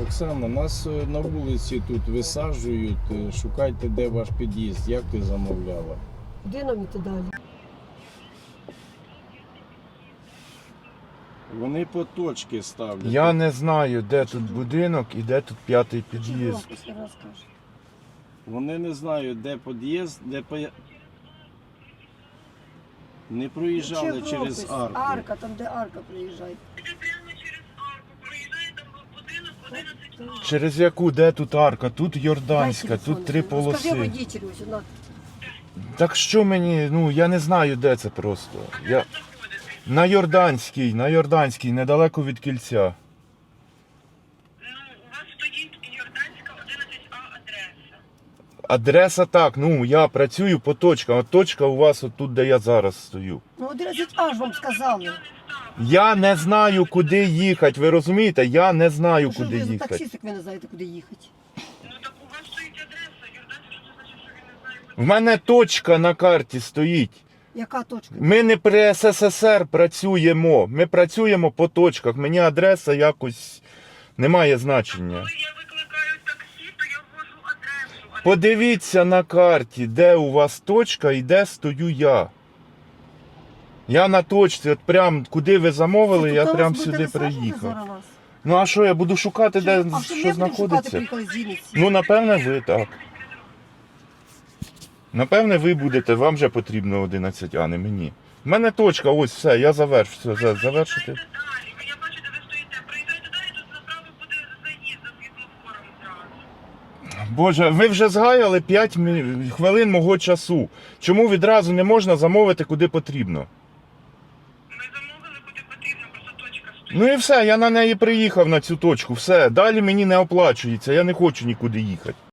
Оксана, нас на вулиці тут висаджують. Шукайте, де ваш під'їзд. Як ти замовляла? Куди нам іти далі? Вони по точки ставлять. Я не знаю, де тут будинок і де тут п'ятий під'їзд. Вони не знають, де під'їзд, де не проїжджали через арку. Арка, там де арка проїжджає. Через яку? Де тут арка? Тут Йорданська, Дай тут 3 телефон. Скажи полоси. водителю, ось вона. Так що мені, ну я не знаю, де це просто. На Йорданській, недалеко від кільця. У вас стоїть Йорданська 11А адреса. Адреса так, ну я працюю по точкам, а точка у вас отут, де я зараз стою. Ну 11А ж вам сказали. Я не знаю, куди їхати, ви розумієте? Я не знаю, Що куди ви за їхати. таксістик, ви не знаєте, куди їхати. Ну так у вас стоїть адреса. Йорданська, що це значить, що він не знає, куди. В мене точка на карті стоїть. Яка точка? Ми не при СССР працюємо, ми працюємо по точках. Мені адреса якось не має значення. Коли я викликаю таксі, то я ввожу адресу. Подивіться на карті, де у вас точка і де стою я. Я на точці, от прям куди ви замовили, я прям сюди приїхав. Ну а що, я буду шукати, де що знаходиться? Ну, напевне, ви так. Напевне, ви будете, вам же потрібно 11, а не мені. У мене точка, ось все, я завершу, все, завершити. Далі. Я бачу, де ви стоїте. Приїжджайте далі, тут направо буде заїзд за світлофором зразу. Боже, ви вже згаяли 5 хвилин мого часу. Чому відразу не можна замовити, куди потрібно? Ми замовили, куди потрібно, просто точка стоїть. Ну і все, я на неї приїхав, на цю точку, все. Далі мені не оплачується, я не хочу нікуди їхати.